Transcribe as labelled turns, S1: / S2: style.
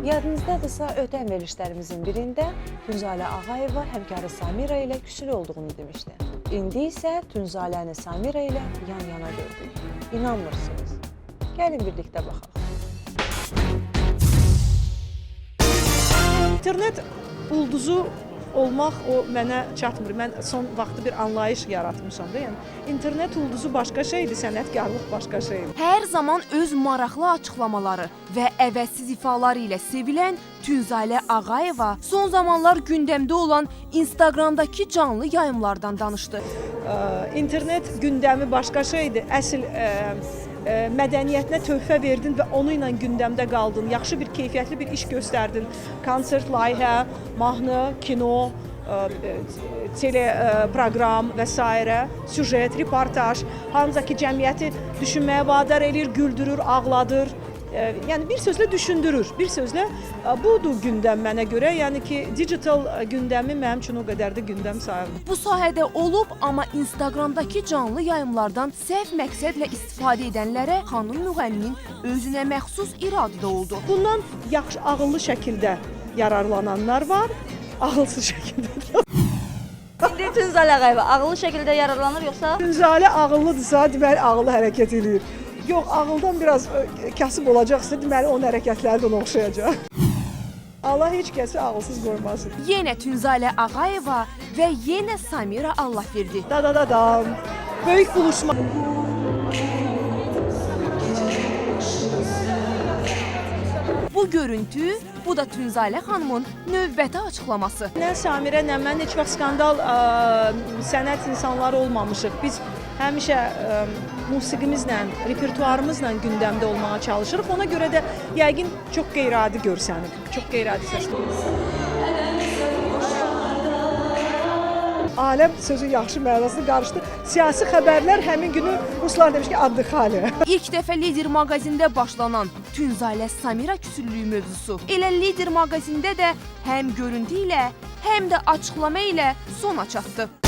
S1: Yadınızdadırsa, ötən verilişlərimizin birində Tünzalə Ağayeva həmkarı Samira ilə küsülü olduğunu demişdi. İndi isə Tünzaləni Samira ilə yan-yana gördük. İnanmırsınız. Gəlin birlikdə baxaq.
S2: İnternet ulduzu olmaq o mənə çatmır. Mən son vaxtı bir anlayış yaratmışam da. Yəni internet ulduzu başqa şeydir, sənətkarlıq başqa şeydir.
S3: Hər zaman öz maraqlı açıqlamaları və əvəzsiz ifaları ilə sevilən Tünzalə Ağayeva son zamanlar gündəmdə olan Instagramdakı canlı yayımlardan danışdı.
S2: İnternet gündəmi başqa şeydir. Əsl mədəniyyətinə töhfə verdin və onu ilə gündəmdə qaldın. Yaxşı bir, keyfiyyətli bir iş göstərdin. Konsert, layihə, mahnı, kino, teleproqram və s. Süjet, reportaj, hamısı ki, cəmiyyəti düşünməyə vadar edir, güldürür, ağladır. Yəni bir sözlə düşündürür. Bir sözlə budur gündəm mənə görə. Yəni ki, digital gündəmi mənim üçün o qədər də gündəm sayılmır.
S3: Bu sahədə olub, amma Instagramdakı canlı yayımlardan səhv məqsədlə istifadə edənlərə xanım müğənninin özünə məxsus iradə də oldu.
S2: Bundan yaxşı, ağıllı şəkildə yararlananlar var, ağılsız şəkildə.
S4: İndi Tünzalə Ağayeva ağıllı şəkildə yararlanır yoxsa?
S2: Tünzalə ağıllıdırsa, deməli ağıllı hərəkət edir. Yox, ağıldan biraz kasıb olacaqsa, deməli onun hərəkətləri də ona oxşayacaq. Allah heç kəsi ağılsız qoymasın.
S3: Yenə Tünzalə Ağayeva və yenə Samira Allahverdi.
S2: Da-da-da-dam. Böyük buluşma.
S3: Bu görüntü, bu da Tünzalə xanımın növbəti açıqlaması.
S2: Nə Samirə, nə mən heç vaxt skandal sənət insanları olmamışıq. Biz həmişə musiqimizlə, repertuarımızla gündəmdə olmağa çalışırıq. Ona görə də yəqin çox qeyri-adi görsənir. Çox qeyri-adi səslənir. Aləm sözün yaxşı mənasını qarışdı. Siyasi xəbərlər həmin günü ruslar demiş ki, addıxalə.
S3: İlk dəfə Lider maqazində başlanan Tünzalə Samira küsüllüyü mövzusu elə Lider maqazində də həm görüntü ilə, həm də açıqlama ilə sona çatdı.